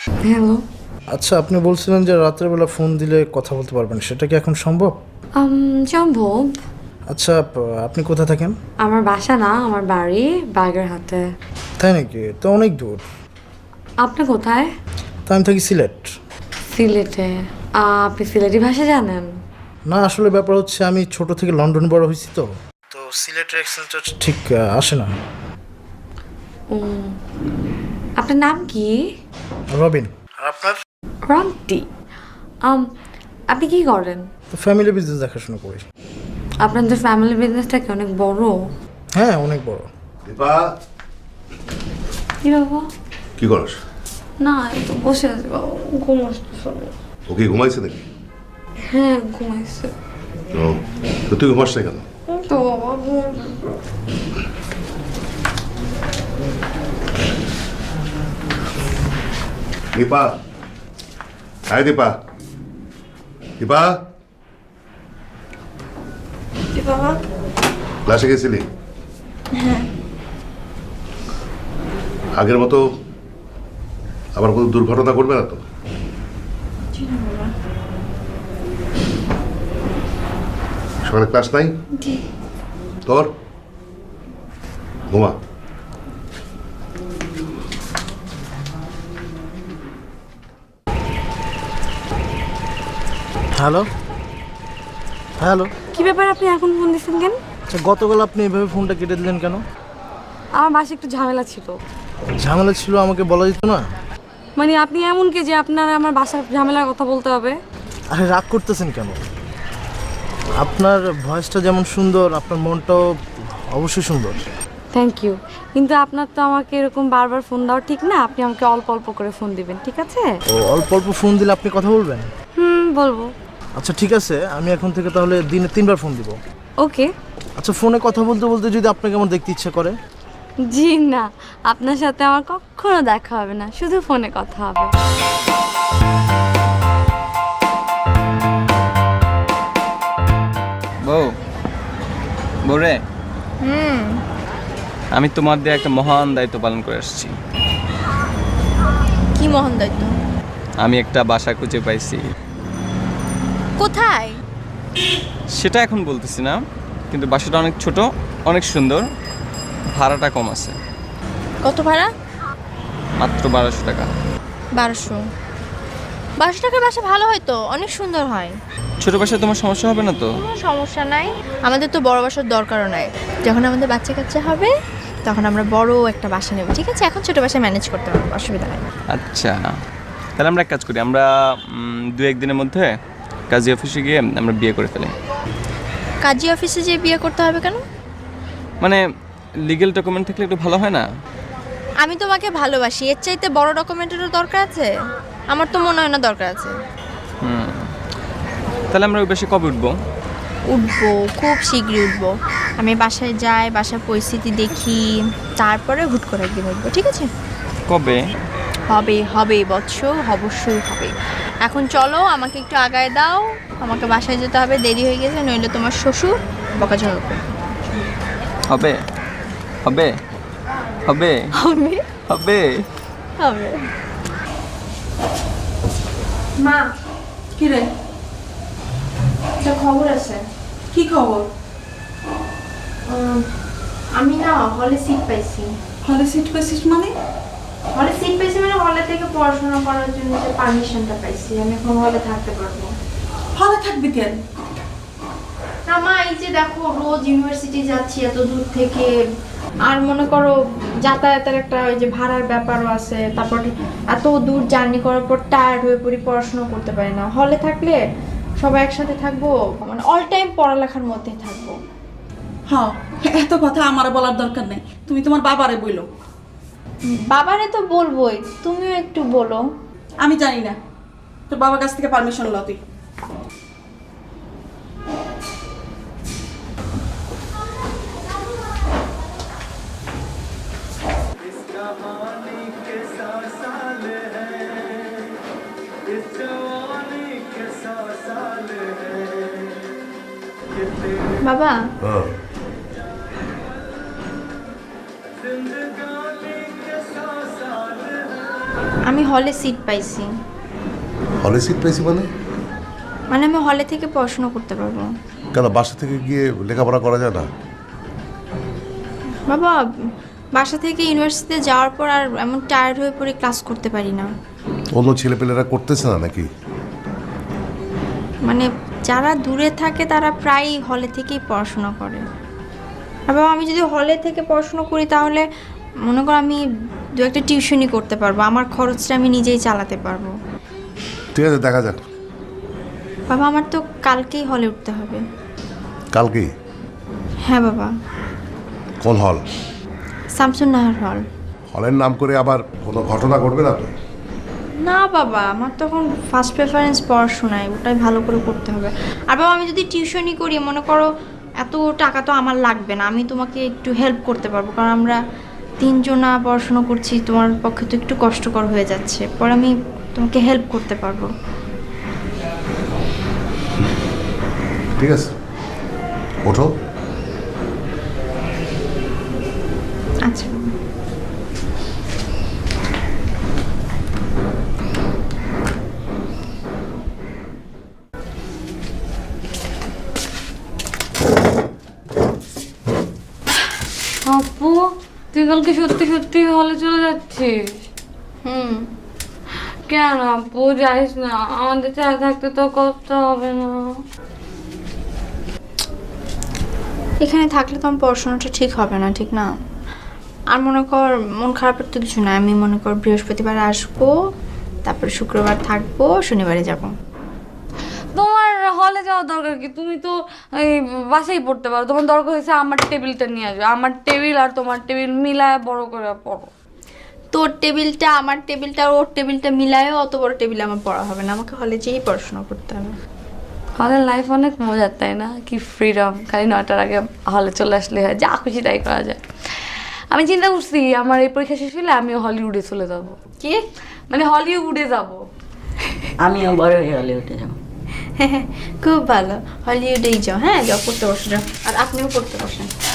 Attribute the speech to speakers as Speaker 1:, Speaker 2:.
Speaker 1: Hello.
Speaker 2: আচ্ছা, আপনি বলছিলেন যে রাতের বেলা ফোন দিলে কথা বলতে পারবেন, সেটা কি এখন সম্ভব?
Speaker 1: সম্ভব।
Speaker 2: আচ্ছা, আপনি কোথায় থাকেন?
Speaker 1: আমার বাসা না, আমার বাড়ি বাগেরহাটে।
Speaker 2: তাই নাকি? তো অনেক দূর।
Speaker 1: আপনি কোথায়?
Speaker 2: তা আমি থাকি সিলেট।
Speaker 1: সিলেটে? আপনি সিলেটি ভাষা জানেন?
Speaker 2: না, আসলে ব্যাপার হচ্ছে আমি ছোট থেকে লন্ডন বড় হয়েছি, তো তো সিলেটের অ্যাকসেন্টটা ঠিক আসে না।
Speaker 1: আপনার নাম কি?
Speaker 2: রবিন। আর আপনার?
Speaker 1: রন্টি। আপনি কি করেন?
Speaker 2: তো ফ্যামিলি বিজনেস দেখাশোনা করি।
Speaker 1: আপনাদের ফ্যামিলি বিজনেসটা কি অনেক বড়?
Speaker 2: হ্যাঁ, অনেক বড়।
Speaker 3: দীপা,
Speaker 1: কি বাবা?
Speaker 3: কি করস?
Speaker 1: না, একটু বসে আছি বাবা, ঘুম আসতেছে।
Speaker 3: ও কি ঘুমাইছে নাকি?
Speaker 1: হ্যাঁ, ঘুমাইছে।
Speaker 3: ও, তো তুই ঘুমাস না কেন?
Speaker 1: তো বাবা
Speaker 3: দীপা, হ্যাঁ দীপা, দীপা,
Speaker 1: বাবা।
Speaker 3: ক্লাসে গেছিলি? আগের মতো আবার কোনো দুর্ঘটনা করবে না তো? সকালে ক্লাস নাই তোর? ঘুমা।
Speaker 2: Hello hello.
Speaker 1: কি ব্যাপার, আপনি এখন ফোন দিচ্ছেন কেন?
Speaker 2: আচ্ছা, গতকাল আপনি এভাবে ফোনটা কেটে দিলেন কেন?
Speaker 1: আমার বাসায় একটু ঝামেলা ছিল।
Speaker 2: ঝামেলা ছিল, আমাকে বলা যেত না?
Speaker 1: মানে আপনি এমন কি যে আপনার আমার বাসার ঝামেলার কথা বলতে হবে?
Speaker 2: আরে, রাগ করতেছেন কেন? আপনার ভয়েসটা যেমন সুন্দর, আপনার মনটাও অবশ্যই সুন্দর।
Speaker 1: থ্যাংক ইউ, কিন্তু আপনার তো আমাকে এরকম বারবার ফোন দেওয়া ঠিক না। আপনি আমাকে অল্প অল্প করে ফোন দিবেন, ঠিক আছে?
Speaker 2: ও, অল্প অল্প ফোন দিলে আপনি কথা বলবেন?
Speaker 1: বলবো।
Speaker 2: আচ্ছা ঠিক আছে, আমি এখন থেকে তাহলে দিনে 3বার ফোন দিব।
Speaker 1: ওকে।
Speaker 2: আচ্ছা, ফোনে কথা বলতে বলতে যদি আপনাকে আমার দেখতে ইচ্ছা করে?
Speaker 1: জি না, আপনার সাথে আমার কখনো দেখা হবে না, শুধু ফোনে কথা হবে।
Speaker 4: বউ, বউরে, আমি তোমার দিয়ে একটা মহান দায়িত্ব পালন করে আসছি।
Speaker 5: কি মহান দায়িত্ব?
Speaker 4: আমি একটা বাসা খুঁজে পাইছি।
Speaker 5: কোথায়?
Speaker 4: সেটা এখন বলতেছি না, কিন্তু বাসাটা অনেক ছোট, অনেক সুন্দর, ভাড়াটা কম আছে।
Speaker 5: কত ভাড়া?
Speaker 4: মাত্র 1200 টাকা।
Speaker 5: 1200 টাকার বাসা ভালো হয় তো, অনেক সুন্দর হয়।
Speaker 4: ছোট বাসায় তোমার সমস্যা হবে না তো?
Speaker 5: কোনো সমস্যা নাই, আমাদের তো বড় বাসার দরকারও নাই। যখন আমাদের বাচ্চা কাচ্চা হবে তখন আমরা বড় একটা বাসা নেব, ঠিক আছে? এখন ছোট বাসায় ম্যানেজ করতে পারবো, অসুবিধা হয় না।
Speaker 4: আচ্ছা, তাহলে আমরা এক কাজ করি, আমরা 2-1 দিনের মধ্যে কাজী অফিসে গিয়ে আমরা বিয়ে করে ফেলি।
Speaker 5: কাজী অফিসে যেয়ে বিয়ে করতে হবে কেন?
Speaker 4: মানে লিগেল ডকুমেন্ট থাকলে একটু ভালো হয় না?
Speaker 5: আমি তোমাকে ভালোবাসি, এর চাইতে বড় ডকুমেন্টেরও দরকার আছে? আমার তো মনে হয় না দরকার আছে।
Speaker 4: তাহলে আমরা ওই বাসে কবে উঠবো?
Speaker 5: উঠবো, খুব শীঘ্রই উঠবো। আমি বাসায় যাই, বাসার পরিস্থিতি দেখি, তারপরে হুট করে একদিন উঠবো, ঠিক আছে?
Speaker 4: কবে?
Speaker 5: হবে হবে বৎস, অবশ্যই হবে। এখন চলো, আমাকে একটু আগায় দাও, আমাকে বাসায় যেতে হবে, দেরি হয়ে গেছে, নইলে তোমার শ্বশুর বকাঝকা করবে।
Speaker 4: হবে হবে হবে
Speaker 5: হবে
Speaker 4: হবে।
Speaker 5: হবে।
Speaker 6: মা,
Speaker 1: কি রে?
Speaker 6: একটা খবর আছে।
Speaker 1: কি খবর?
Speaker 6: আমি না হলে সিট পাইছি।
Speaker 1: হলে সিট পেয়েছিস মানে?
Speaker 6: হলে সিট পাইছি মানে হলে থেকে পড়াশোনা করার জন্য যে পারমিশনটা পাইছি, আমি এখন হলে থাকতে পারবো।
Speaker 1: হলে থাকবি কেন?
Speaker 6: না মা, এই যে দেখো রোজ ইউনিভার্সিটি যাচ্ছি এত দূর থেকে, আর মনে করো যাতায়াতের একটা ওই যে ভাড়ার ব্যাপারও আছে, তারপর এত দূর জার্নি করার পর টায়ার্ড হয়ে পড়ি, পড়াশোনা করতে পারি না। হলে থাকলে সবাই একসাথে থাকবো, মানে অল টাইম পড়ালেখার মধ্যেই থাকবো।
Speaker 7: হ্যাঁ, এত কথা আমার বলার দরকার নেই, তুমি তোমার বাবারে বইলো।
Speaker 6: বাবারে তো বলবোই, তুমিও একটু বলো।
Speaker 7: আমি জানি না, তোর বাবার কাছ থেকে পারমিশন ল তুই।
Speaker 6: বাবা, আমি হলে সিট পাইছি।
Speaker 3: হলে সিট পেয়েছি মানে?
Speaker 6: মানে আমি হলে থেকে পড়াশোনা করতে পারবো।
Speaker 3: কেন বাসা থেকে গিয়ে লেখাপড়া করা যায় না?
Speaker 6: বাবা, বাসা থেকে ইউনিভার্সিটিতে যাওয়ার পর আর এমন টায়ার্ড হয়ে পড়ে ক্লাস করতে পারি না।
Speaker 3: অন্য ছেলেপেলেরা করতেছে না নাকি?
Speaker 6: মানে যারা দূরে থাকে তারা প্রায়ই হলে থেকেই পড়াশোনা করে। আর বাবা, আমি যদি হলে থেকে পড়াশোনা করি তাহলে মনে করো আমি দু একটা টিউশনই করতে পারবো, আমার খরচটা আমি নিজেই চালাতে পারবো।
Speaker 3: ঠিক আছে, দেখা যাক।
Speaker 6: বাবা, আমার তো কালকেই হলে উঠতে হবে।
Speaker 3: কালকেই?
Speaker 6: হ্যাঁ বাবা।
Speaker 3: কোন হল?
Speaker 6: শামসুন নাহার হল।
Speaker 3: হলের নাম করে আবার কোনো ঘটনা ঘটবে না তো?
Speaker 6: না বাবা, আমার তখন ফার্স্ট প্রেফারেন্স পড়াশোনায়, ওটাই ভালো করে করতে হবে। আর বাবা, আমি যদি টিউশনই করি মনে করো এত টাকা তো আমার লাগবে না, আমি তোমাকে একটু হেল্প করতে পারবো, কারণ আমরা তিনজনা পড়াশোনা করছি, তোমার পক্ষে তো একটু কষ্টকর হয়ে যাচ্ছে, পরে আমি তোমাকে হেল্প করতে পারবো।
Speaker 3: ঠিক আছে, ওঠো।
Speaker 6: আচ্ছা।
Speaker 1: আপু, তুই কালকে সত্যি সত্যি হলে চলে যাচ্ছিস? কেন আপু যাইস না, আমাদের ছাড়া থাকতে তো কষ্ট হবে না?
Speaker 6: এখানে থাকলে তো আমার পড়াশোনাটা ঠিক হবে না, ঠিক না? আর মনে কর মন খারাপের তো কিছু না, আমি মনে কর বৃহস্পতিবার আসবো, তারপর শুক্রবার থাকবো, শনিবারে যাব।
Speaker 1: তোমার হলে যাওয়ার দরকার কি? তুমি তো এই বাসায় পড়তে পারো। তোমার দরকার হয়েছে আমার টেবিলটা নিয়ে আসবে, আমার টেবিল আর তোমার টেবিল মিলায় বড় করে পড়ো।
Speaker 6: তোর টেবিলটা আমার টেবিলটা আর ওর টেবিলটা মিলায়ও অত বড় টেবিলে আমার পড়া হবে না, আমাকে হলে যেয়েই পড়াশোনা করতে হবে।
Speaker 1: হলের লাইফ অনেক মজার, তাই না? কি ফ্রিডম, খালি 9টার আগে হলে চলে আসলে হয়, যা খুশি তাই করা যায়। আমি চিন্তা করছি আমার এই পরীক্ষা শেষ হলে আমিও হলিউডে চলে যাব।
Speaker 6: কি?
Speaker 1: মানে হলিউডে যাব।
Speaker 8: আমিও বড় হয়ে হলিউডে যাবো।
Speaker 6: খুব ভালো, হলিউডেই যাও। হ্যাঁ যাও, পড়তে বসে যাও, আর আপনিও পড়তে বসেন।